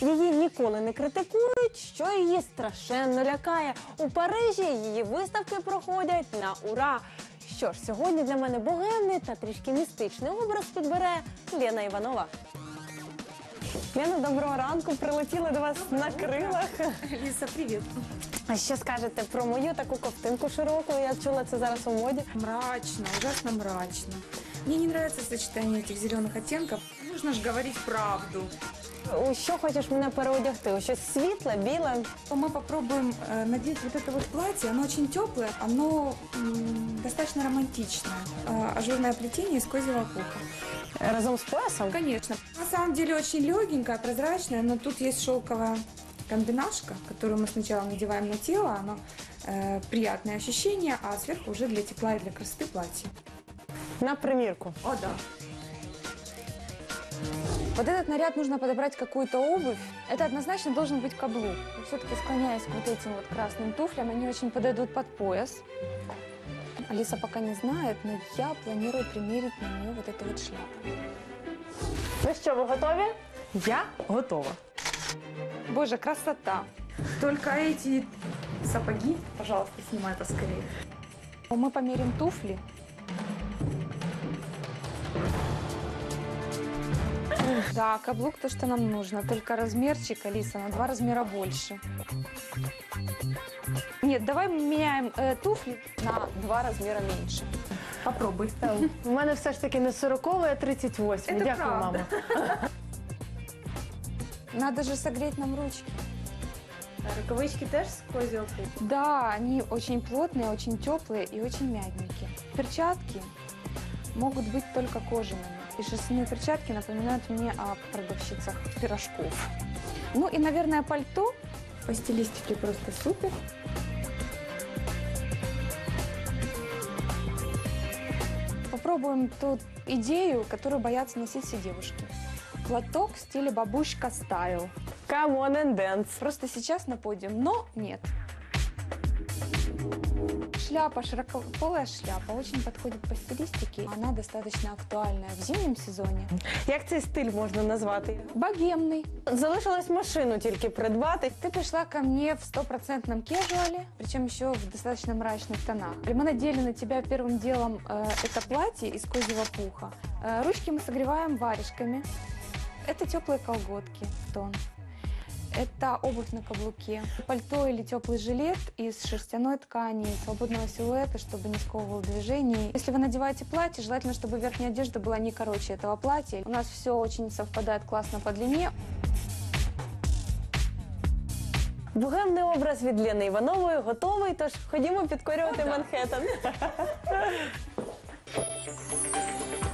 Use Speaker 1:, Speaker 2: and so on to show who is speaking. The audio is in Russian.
Speaker 1: Її ніколи не критикують, що її страшенно лякає. У Парижі її виставки проходять на ура. Що ж, сьогодні для мене богемний та трішки містичний образ підбере Лена Іванова. Лена, доброго ранку, прилетіли до вас на крилах.
Speaker 2: Лиса, привет.
Speaker 1: А що скажете про мою таку ковтинку широку? Я чула, це зараз у моді.
Speaker 2: Мрачно, ужасно мрачно. Мне не нравится сочетание этих зеленых оттенков. Нужно же говорить правду.
Speaker 1: У що хочеш мене переодягти? У щось світле, біле?
Speaker 2: Мы попробуем надеть вот это вот платье. Оно очень теплое, оно достаточно романтичное. Ажурное плетение из козьего пуха.
Speaker 1: Разом з поясом?
Speaker 2: Конечно. На самом деле очень легенькое, прозрачное, но тут есть шелковая комбинашка, которую мы сначала надеваем на тело. Оно приятное ощущение, а сверху уже для тепла и для красоты платье.
Speaker 1: На примірку.
Speaker 2: О, да. Вот этот наряд нужно подобрать какую-то обувь. Это однозначно должен быть каблук. Все-таки склоняюсь к вот этим вот красным туфлям. Они очень подойдут под пояс. Алиса пока не знает, но я планирую примерить на нее вот эту вот шляпу.
Speaker 1: Ну що, ви готові?
Speaker 3: Я готова.
Speaker 2: Боже, красота! Только эти сапоги, пожалуйста, снимай поскорее. Мы померим туфли. Да, каблук то, что нам нужно. Только размерчик, Алиса, на 2 размера больше. Нет, давай меняем туфли на 2 размера меньше. Попробуй.
Speaker 1: У мене все ж таки не 40-й, а 38.
Speaker 2: Це
Speaker 1: Дякую,
Speaker 2: правда.
Speaker 1: мама.
Speaker 2: Надо же согреть нам ручки.
Speaker 1: Рукавички теж з козього пуху?
Speaker 2: Да, они очень плотные, очень теплые и очень мягенькие. Перчатки могут быть только кожаными. И шерстяные перчатки напоминают мне о продавщицах пирожков. Ну и, наверное, пальто. По стилистике просто супер. Попробуем ту идею, которую боятся носить все девушки. Платок в стиле бабушка стайл.
Speaker 1: Come on and dance.
Speaker 2: Просто сейчас на подиум, но нет. Шляпа, широкополая шляпа, очень подходит по стилистике. Она достаточно актуальная в зимнем сезоне.
Speaker 1: Як цей стиль можна назвати?
Speaker 2: Богемный.
Speaker 1: Залишилось машину тільки придбати.
Speaker 2: Ты пришла ко мне в 100% кежуале, причем еще в достаточно мрачных тонах. Мы надели на тебя первым делом это платье из козьего пуха. Ручки мы согреваем варежками. Это теплые колготки в тон. Это обувь на каблуке. Пальто или теплый жилет из шерстяной ткани, свободного силуэта, чтобы не сковывал движений. Если вы надеваете платье, желательно, чтобы верхняя одежда была не короче этого платья. У нас все очень совпадает классно по длине.
Speaker 1: Богемний образ від Лени Іванової готовий, тож ходімо підкорювати Манхеттен.